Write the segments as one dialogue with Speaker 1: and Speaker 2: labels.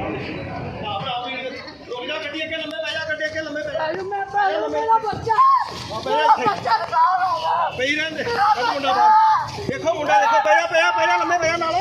Speaker 1: देखो मुंडा देखो पया पया पया लम्बे पया नाल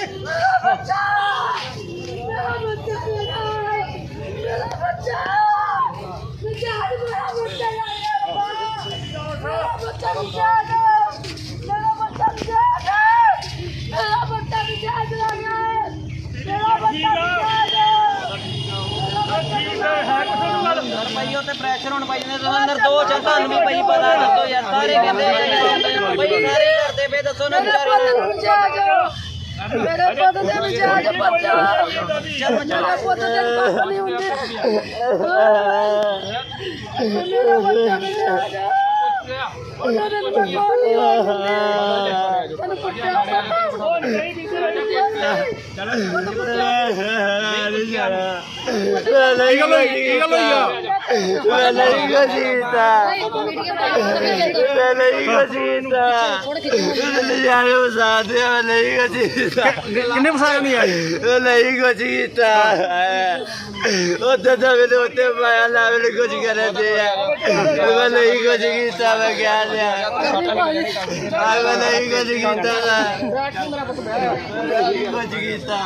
Speaker 2: भाई उत्ते प्रैशर होने पाई ने तुहां निर्दोष है तुहानू भी भाई पता दसो यार सारे कहंदे भाई सारे करदे पे दसो ना
Speaker 3: मेरे पुੱਤ ਦੇ ਵਿਚਾਰ ਬੱਚਾ ਮੇਰੇ ਪੁੱਤ ਦੇ ਪਾਸ ਨਹੀਂ ਹੁੰਦੇ ਮੇਰਾ ਬੱਚਾ ਵਿਚਾਰ ਉਹਨਾਂ ਦੇ ਪਾਸ ਨਹੀਂ ਹੁੰਦੇ ਤੈਨੂੰ ਪੁੱਛਿਆ
Speaker 1: किन्ने फसाया नहीं आई
Speaker 4: नहीं कुछ कीता उधर तो मैंने उत्ते पाया ना मैंने कुछ करे थे मैं नहीं कुछ कीता मैं क्या लिया मैं नहीं कुछ कीता ना नहीं कुछ कीता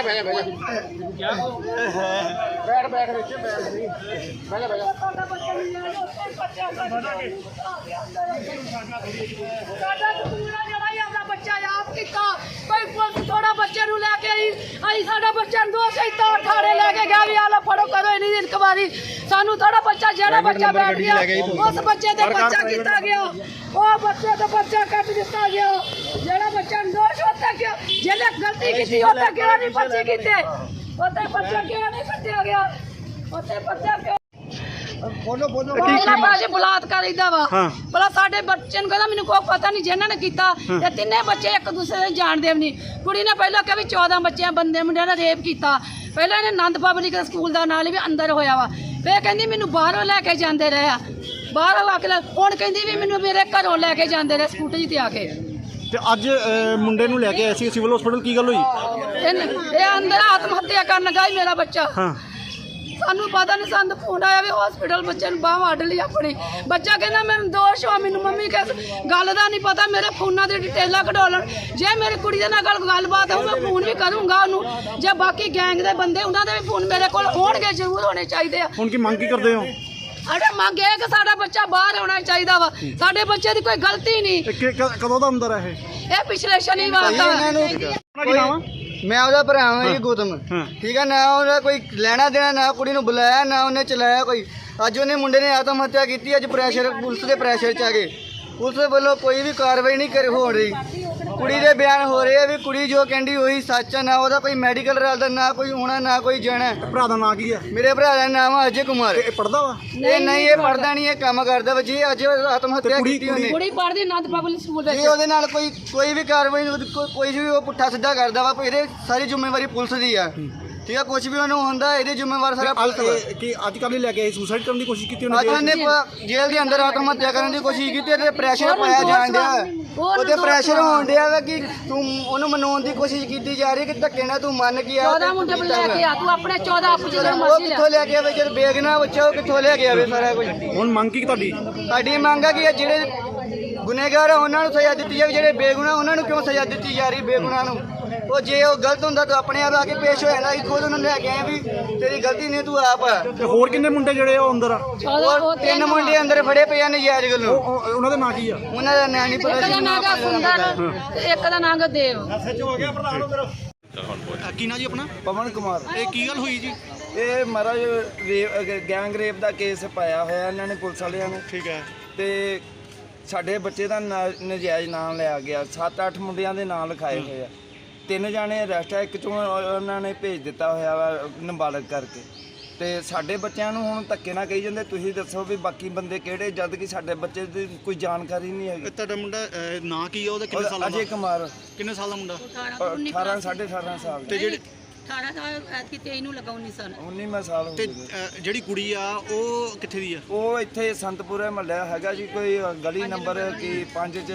Speaker 3: थोड़ा बच्चे लैके आई साडा बच्चा दोस्त इतना ठाणे लैके गया भी आला फड़ो करो इन्नी इंक्वायरी सानू थोड़ा बच्चा जेड़ा बच्चा बैठ गया उस बच्चे ते बच्चा किया गया वो बच्चे ते बच्चा कट दिता गया जेड़ा बच्चा दोष होता क्या जेने गलती की होता क्या नहीं बच्चे कीते ओते बच्चा क्या नहीं कटिया गया ओते बच्चा क्यों बोलो बोलो बाजी बलात्कार इदा वा भला साडे बच्चे नु कहदा मेनू कोई पता नहीं जिन्हां ने कीता ते तिन्ने बच्चे एक दूसरे दे जानदे भी नहीं कुड़ी ने पहला कहा भी 14 बच्चे बंदे मुंडे ने रेप कीता पहले इन्हें आनंद पब्लिक स्कूल दा नाल भी अंदर होया वा फिर कहंदी मेनू बाहरों लैके जांदे रहे बाहरों आके हुण कहंदी भी मेनू मेरे घरों लैके जांदे रहे स्कूटी ते आके
Speaker 1: ਤੇ ਅੱਜ ਮੁੰਡੇ ਨੂੰ ਲੈ ਕੇ ਆਏ ਸੀ ਸਿਵਲ ਹਸਪੀਟਲ ਕੀ ਗੱਲ ਹੋਈ
Speaker 3: ਇਹ ਅੰਦਰ ਆਤਮ ਹੱਤਿਆ ਕਰਨ ਗਈ ਮੇਰਾ ਬੱਚਾ ਸਾਨੂੰ ਪਤਾ ਨਹੀਂ ਸਾਨੂੰ ਫੋਨ ਆਇਆ ਵੀ ਹਸਪੀਟਲ ਬੱਚੇ ਨੂੰ ਬਾਹ ਵੱਢ ਲਈ ਆਪਣੀ ਬੱਚਾ ਕਹਿੰਦਾ ਮੈਨੂੰ ਦੋਸ਼ ਹੋ ਮੈਨੂੰ ਮੰਮੀ ਕਿਸ ਗੱਲ ਦਾ ਨਹੀਂ ਪਤਾ ਮੇਰੇ ਫੋਨਾਂ ਦੀ ਡਿਟੇਲਾਂ ਕਢੋਲਣ ਜੇ ਮੇਰੀ ਕੁੜੀ ਦੇ ਨਾਲ ਗੱਲਬਾਤ ਹੋਊ ਮੈਂ ਫੋਨ ਵੀ ਕਰੂੰਗਾ ਉਹਨੂੰ ਜੇ ਬਾਕੀ ਗੈਂਗ ਦੇ ਬੰਦੇ ਉਹਨਾਂ ਦੇ ਵੀ ਫੋਨ ਮੇਰੇ ਕੋਲ ਹੋਣਗੇ ਜ਼ਰੂਰ ਹੋਣੇ ਚਾਹੀਦੇ ਆ
Speaker 1: ਹੁਣ ਕੀ ਮੰਗ ਕੀ ਕਰਦੇ ਹੋ
Speaker 3: ਅਰੇ ਮੰਗ ਇਹ ਕਿ ਸਾਡਾ ਬੱਚਾ ਬਾਹਰ ਆਉਣਾ ਚਾਹੀਦਾ ਵਾ ਸਾਡੇ ਬੱਚੇ ਦੀ ਕੋਈ ਗਲਤੀ ਨਹੀਂ
Speaker 1: ਕਦੋਂ ਦਾ ਅੰਦਰ ਹੈ
Speaker 3: ਇਹ ਪਿਛਲੇ ਸ਼ਨੀਵਾਰ ਦਾ
Speaker 4: मैं ਉਹਦਾ ਭਰਾ ਹਾਂ ਜੀ ਗੌਤਮ ਠੀਕ ਹੈ ਨਾ ਉਹਦਾ ਕੋਈ ਲੈਣਾ ਦੇਣਾ ਨਾ ਕੁੜੀ ਨੂੰ ਬੁਲਾਇਆ ਨਾ ਉਹਨੇ ਚਲਾਇਆ ਕੋਈ ਅੱਜ ਉਹਨੇ ਮੁੰਡੇ ਨੇ ਆਤਮ ਹੱਤਿਆ ਕੀਤੀ ਅੱਜ ਪ੍ਰੈਸ਼ਰ ਪੁਲਿਸ ਦੇ ਪ੍ਰੈਸ਼ਰ ਚ ਆ ਗਏ ਪੁਲਿਸ ਵੱਲੋਂ ਕੋਈ ਵੀ ਕਾਰਵਾਈ ਨਹੀਂ ਹੋ ਰਹੀ ਕੁੜੀ ਦੇ ਬਿਆਨ ਹੋ ਰਹੇ ਆ ਵੀ ਕੁੜੀ ਜੋ ਕਹਿੰਦੀ ਉਹੀ ਸੱਚ ਆ ਨਾ ਉਹਦਾ ਕੋਈ ਮੈਡੀਕਲ ਰਲਦਾ ਨਾ ਕੋਈ ਹੋਣਾ ਨਾ ਕੋਈ ਜਾਣਾ
Speaker 1: ਭਰਾ ਦਾ ਨਾਂ ਕੀ ਆ
Speaker 4: ਮੇਰੇ ਭਰਾ ਦਾ ਨਾਮ ਆ ਅਜੇ ਕੁਮਾਰ
Speaker 1: ਇਹ ਪੜਦਾ ਵਾ
Speaker 4: ਇਹ ਨਹੀਂ ਇਹ ਪੜਦਾ ਨਹੀਂ ਇਹ ਕੰਮ ਕਰਦਾ ਵਾ ਜੀ ਅੱਜ ਆਤਮ ਹੱਤਿਆ ਕੀਤੀ ਉਹਨੇ
Speaker 3: ਕੁੜੀ ਪੜਦੀ ਆਨੰਦ ਪਬਲਿਕ ਸਕੂਲ ਵਿੱਚ
Speaker 4: ਜੀ ਉਹਦੇ ਨਾਲ ਕੋਈ ਵੀ ਕਾਰਵਾਈ ਕੋਈ ਵੀ ਉਹ ਪੁੱਠਾ ਸਿੱਧਾ ਕਰਦਾ ਵਾ ਇਹਦੇ ਸਾਰੀ ਜ਼ਿੰਮੇਵਾਰੀ ਪੁਲਿਸ ਦੀ ਆ ਠੀਕ ਆ ਕੁਝ ਵੀ ਉਹਨੂੰ ਹੁੰਦਾ ਇਹਦੇ ਜ਼ਿੰਮੇਵਾਰ ਸਾਰਾ
Speaker 1: ਕਿ ਅੱਜ ਕੱਲ੍ਹ ਲੈ ਕੇ ਸੁਸਾਈਡ ਕਰਨ ਦੀ ਕੋਸ਼ਿਸ਼ ਕੀਤੀ
Speaker 4: ਅੱਜ ਉਹਨੇ ਜੇਲ੍ਹ ਦੇ ਅੰਦਰ ਆਤਮ ਹੱਤਿਆ ਕਰਨ ਦੀ ਕੋਸ਼ਿਸ਼ ਕੀਤੀ ਤੇ ਪ੍ਰੈਸ਼ਰ ਪਾਇਆ ਜਾਣ ਡਿਆ ਉਹਦੇ ਪ੍ਰੈਸ਼ਰ ਹੋਣ ਡਿਆ ਵਾ ਕਿ ਤੂੰ ਉਹਨੂੰ ਮਨਾਉਣ ਦੀ ਕੋਸ਼ਿਸ਼ ਕੀਤੀ ਜਾ ਰਹੀ ਕਿ ਧੱਕੇ ਨਾਲ ਤੂੰ ਮੰਨ ਕੇ ਆ
Speaker 3: 14 ਮੁੰਡੇ ਲੈ ਕੇ ਆ ਤੂੰ ਆਪਣੇ 14 ਆਪੂ ਜਿਹੜਾ
Speaker 4: ਉਹ
Speaker 3: ਮਰਜ਼ੀ ਲੈ
Speaker 4: ਕਿੱਥੋਂ ਲੈ ਕੇ ਆਵੇ ਜਦ ਬੇਗਨਾ ਬੱਚਾ ਉਹ ਕਿੱਥੋਂ ਲੈ ਕੇ ਆਵੇ ਸਾਰਾ ਕੁਝ
Speaker 1: ਹੁਣ ਮੰਗ ਕੀ ਤੁਹਾਡੀ
Speaker 4: ਸਾਡੀ ਮੰਗ ਆ ਕਿ ਜਿਹੜੇ ਗੁਨੇਗਾਰ ਆ ਉਹਨਾਂ ਨੂੰ ਸਜ਼ਾ ਦਿੱਤੀ ਜਾਵੇ ਜਿਹੜੇ ਬੇਗੁਨਾਹ ਉਹਨਾਂ ਨੂੰ ਕਿਉਂ ਸਜ਼ਾ ਦਿੱਤੀ ਜਾ ਰਹੀ ਬੇਗੁਨਾਹ ਨੂੰ ਉਹ ਜੇ ਉਹ ਗਲਤ ਹੁੰਦਾ ਤਾਂ ਆਪਣੇ ਆਪ ਆ ਕੇ ਪੇਸ਼ ਹੋ ਜਾਂਦਾ ਖੁਦ ਉਹਨਾਂ ਨੂੰ ਲੈ ਕੇ ਆਏ ਵੀ ਤੇਰੀ ਗਲਤੀ ਨਹੀਂ ਤੂੰ ਆਪ ਆ
Speaker 1: ਤੇ ਹੋਰ ਕਿੰਨੇ ਮੁੰਡੇ ਜਿਹੜੇ ਉਹ ਅੰਦਰ ਆ
Speaker 4: ਉਹ 3 ਮੁੰਡੇ ਅੰਦਰ ਫੜੇ ਪਏ ਆ ਨਜਾਇਜ਼ ਗੱਲੋਂ
Speaker 1: ਉਹਨਾਂ ਦਾ ਨਾਂ ਕੀ ਆ
Speaker 4: ਉਹਨਾਂ ਦਾ ਨਾਂ ਨਹੀਂ ਪਤਾ
Speaker 3: ਇੱਕ ਦਾ ਨਾਂ ਗਾ ਸੁੰਦਰ ਤੇ ਇੱਕ ਦਾ ਨਾਂ ਗਾ ਦੇਵ
Speaker 1: ਕੀ ਨਾਂ ਜੀ ਆਪਣਾ
Speaker 4: ਪਵਨ ਕੁਮਾਰ
Speaker 1: ਇਹ ਕੀ ਗੱਲ ਹੋਈ ਜੀ
Speaker 4: ਇਹ ਮਹਾਰਾਜ ਗੈਂਗ ਰੇਪ ਦਾ ਕੇਸ ਪਾਇਆ ਹੋਇਆ ਇਹਨਾਂ ਨੇ ਪੁਲਿਸ ਵਾਲਿਆਂ ਨੇ
Speaker 1: ਠੀਕ ਹੈ
Speaker 4: ਤੇ ਸਾਡੇ ਬੱਚੇ ਦਾ ਨਜਾਇਜ਼ ਨਾਮ ਲਿਆ ਗਿਆ 7-8 ਮੁੰਡਿਆਂ ਦੇ ਨਾਂ ਲਿਖਾਏ ਹੋਏ ਆ 3 ਜਾਣੇ ਅਰੈਸਟ ਆ ਇੱਕ ਚੋਂ ਉਹਨਾਂ ਨੇ ਭੇਜ ਦਿੱਤਾ ਹੋਇਆ ਵਾ ਨਾਬਾਲਗ ਕਰਕੇ ਤੇ ਸਾਡੇ ਬੱਚਿਆਂ ਨੂੰ ਹੁਣ ਧੱਕੇ ਨਾਲ ਕਹੀ ਜਾਂਦੇ ਤੁਸੀਂ ਦੱਸੋ ਵੀ ਬਾਕੀ ਬੰਦੇ ਕਿਹੜੇ ਜਦ ਕਿ ਸਾਡੇ ਬੱਚੇ ਦੀ ਕੋਈ ਜਾਣਕਾਰੀ ਨਹੀਂ ਹੈਗੀ
Speaker 1: ਤੁਹਾਡਾ ਮੁੰਡਾ ਨਾਂ ਕੀ ਆ ਉਹਦਾ ਕਿੰਨੇ ਸਾਲ ਦਾ
Speaker 4: ਅਜੇ ਕੁਮਾਰ
Speaker 1: ਕਿੰਨੇ ਸਾਲ ਦਾ ਮੁੰਡਾ
Speaker 4: 18 18.5 ਸਾਲ
Speaker 1: ਤੇ ਜਿਹੜੀ
Speaker 3: 18 ਸਾਲ ਐਤਕੀ 23 ਨੂੰ ਲਗਾ 19 ਸਾਲ
Speaker 4: 19ਵਾਂ ਸਾਲ ਹੋ
Speaker 1: ਤੇ
Speaker 4: ਗਿਆ
Speaker 1: ਜਿਹੜੀ ਕੁੜੀ ਆ ਉਹ ਕਿੱਥੇ ਦੀ ਆ
Speaker 4: ਉਹ ਇੱਥੇ ਸੰਤਪੁਰੇ ਮਹੱਲਾ ਹੈਗਾ ਜੀ ਕੋਈ ਗਲੀ ਨੰਬਰ ਕੀ 5 ਚ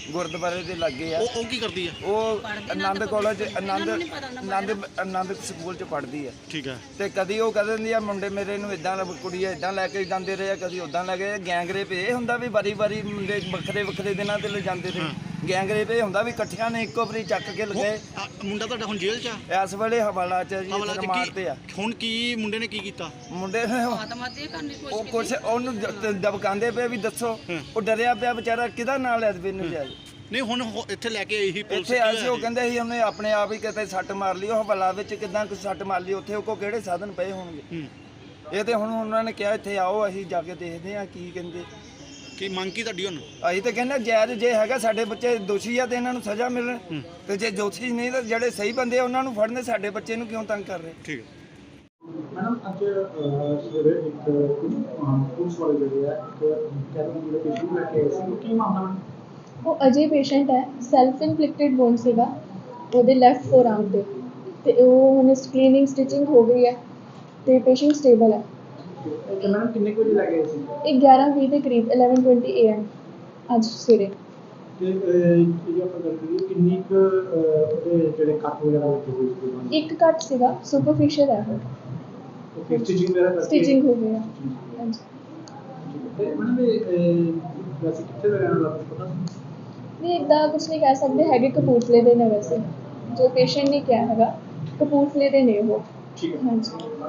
Speaker 5: ਗੁਰਦੁਆਰੇ ਦੇ ਲੱਗੇ ਆ।
Speaker 1: ਉਹ ਕੀ ਕਰਦੀ ਹੈ?
Speaker 5: ਉਹ ਆਨੰਦ ਕਾਲਜ ਆਨੰਦ ਸਕੂਲ ਚ ਪੜ੍ਹਦੀ ਆ।
Speaker 1: ਠੀਕ ਹੈ।
Speaker 5: ਤੇ ਕਦੀ ਉਹ ਕਹਿ ਦਿੰਦੀ ਆ ਮੁੰਡੇ ਮੇਰੇ ਨੂੰ ਇਦਾਂ ਕੁੜੀਆਂ ਇਦਾਂ ਲੈ ਕੇ ਜਾਂਦੇ ਰਹੇ ਆ, ਕਦੀ ਉਦਾਂ ਲੈ ਕੇ। ਗੈਂਗ ਰੇਪ ਇਹ ਹੁੰਦਾ ਵੀ ਵਾਰੀ ਮੁੰਡੇ ਵੱਖਰੇ ਦਿਨਾਂ ਤੇ ਲੈ ਜਾਂਦੇ ਨੇ। ਗੈਂਗ ਰੇਪ ਇਹ ਹੁੰਦਾ ਵੀ ਇਕੱਠਿਆਂ ਨੇ ਇੱਕੋ ਵਾਰੀ ਚੱਕ ਕੇ ਲਗਾਏ।
Speaker 1: ਮੁੰਡਾ ਤੁਹਾਡਾ ਹੁਣ ਜੇਲ੍ਹ 'ਚ ਆ?
Speaker 5: ਇਸ ਵੇਲੇ ਹਵਾਲਾ ਚ ਜੀ, ਰਿਮਾਂਡ ਤੇ ਆ।
Speaker 1: ਹੁਣ ਕੀ ਮੁੰਡੇ ਨੇ ਕੀ ਕੀਤਾ?
Speaker 5: ਮੁੰਡੇ ਨੇ ਉਹ ਕੁਛ ਉਹਨੂੰ ਦਬਕਾਉਂਦੇ ਪਏ ਵੀ ਦੱਸੋ। ਉਹ ਡਰਿਆ ਪਿਆ ਵਿਚਾਰਾ, ਕਿਹਦਾ ਨਾਂ ਲੈ ਦੇਵੇ ਨਜਾਇਜ਼।
Speaker 1: ਨਹੀਂ ਹੁਣ ਇੱਥੇ ਲੈ ਕੇ ਆਈ ਸੀ ਪੁਲਿਸ?
Speaker 5: ਇੱਥੇ ਆਏ ਸੀ, ਉਹ ਕਹਿੰਦੇ ਸੀ ਉਹਨੇ ਆਪਣੇ ਆਪ ਹੀ ਕਿਤੇ ਸੱਟ ਮਾਰ ਲਈ। ਉਹ ਹਵਾਲਾ ਵਿੱਚ ਕਿਦਾਂ ਕੋਈ ਸੱਟ ਮਾਰ ਲਈ, ਉੱਥੇ ਉਹ ਕੋ ਕਿਹੜੇ ਸਾਧਨ ਪਏ ਹੋਣਗੇ। ਇਹ ਤੇ ਹੁਣ ਉਹਨਾਂ ਨੇ ਕਿਹਾ ਇੱਥੇ ਆਓ, ਅਸੀਂ ਜਾ ਕੇ ਦੇਖਦੇ ਆ ਕੀ ਕਹਿੰਦੇ।
Speaker 1: ਕੀ ਮੰਗ ਕੀ ਤੁਹਾਡੀ ਹੁਣ?
Speaker 5: ਅਸੀਂ ਤਾਂ ਕਹਿੰਦੇ ਜਾਇਜ਼ ਜੇ ਹੈਗਾ, ਸਾਡੇ ਬੱਚੇ ਦੋਸ਼ੀ ਆ ਤੇ ਇਹਨਾਂ ਨੂੰ ਸਜ਼ਾ ਮਿਲਣ, ਤੇ ਜੇ ਦੋਸ਼ੀ ਨਹੀਂ ਤਾਂ ਜਿਹੜੇ ਸਹੀ ਬੰਦੇ ਆ ਉਹਨਾਂ ਨੂੰ ਫੜਨੇ। ਸਾਡੇ ਬੱਚੇ ਨੂੰ ਕਿਉਂ ਤੰਗ ਕਰ ਰਹੇ?
Speaker 1: ਠੀਕ ਹੈ
Speaker 6: ਮੈਡਮ ਅੱਜ ਸਵੇਰੇ ਇੱਕ ਪੁਲਿਸ ਵਾਲੇ ਜਿਹੜੇ ਆ ਕੈਬਨ ਜਿਹੜੇ ਪੇਸ਼ੈਂਟ ਲੈ ਕੇ ਆਏ ਸੀ, ਕੀ ਮਾਮਲਾ ਮੈਡਮ?
Speaker 7: ਉਹ ਅਜੇ ਪੇਸ਼ੈਂਟ ਹੈ, ਸੈਲਫ ਇਨਫਲਿਕਟਡ ਵੋਨ ਸੀਗਾ ਉਹਦੇ ਲੈਫਟ ਫੋਰਆਰਮ ਤੇ ਉਹ ਹੁਣ ਸਕ੍ਰੀਨਿੰਗ ਸਟਿਚਿੰਗ ਹੋ ਗਈ ਹੈ ਤੇ ਪੇਸ਼ੈਂਟ ਸਟੇਬਲ ਹੈ।
Speaker 6: ਤੇ ਮੈਡਮ ਕਿੰਨੇ ਕੁ ਵਜੇ ਲੈ ਕੇ ਆਏ ਸੀ?
Speaker 7: ਇਹ 11:20 ਦੇ ਕਰੀਬ 11:20 AM ਅੱਜ ਸਵੇਰੇ।
Speaker 6: ਤੇ ਜੇ ਆਪਾਂ ਗੱਲ ਕਰੀਏ ਕਿੰਨੀ ਕੁ ਉਹਦੇ ਜਿਹੜੇ ਕੱਟ ਵਗੈਰਾ ਲੱਗੇ ਹੋਏ ਸੀ?
Speaker 7: ਇੱਕ ਕੱਟ ਸੀਗਾ, ਸੁਪਰਫਿਸ਼ੀਅਲ ਹੈ ਉਹ।
Speaker 6: ਤੇ ਸਟਿਚਿੰਗ ਵਗੈਰਾ ਕਰਕੇ
Speaker 7: ਸਟਿਚਿੰਗ ਹੋ ਗਈ ਹੈ। ਹਾਂਜੀ।
Speaker 6: ਤੇ ਮੈਡਮ ਇਹ ਵੈਸੇ ਕਿੱਥੇ ਦਾ ਰਹਿਣ ਵਾਲਾ ਪਤਾ?
Speaker 7: ਨਹੀਂ ਇੱਦਾਂ ਕੁਛ ਨਹੀਂ ਕਹਿ ਸਕਦੇ ਹੈਗੇ, ਕਪੂਰਥਲੇ ਦੇ ਨੇ ਵੈਸੇ। ਜੋ ਪੇਸ਼ੈਂਟ ਨੇ ਕਿਹਾ ਹੈਗਾ ਕਪੂਰਥਲੇ ਦੇ ਨੇ ਉਹ।
Speaker 6: ਠੀਕ ਹੈ।
Speaker 7: ਹਾਂਜੀ।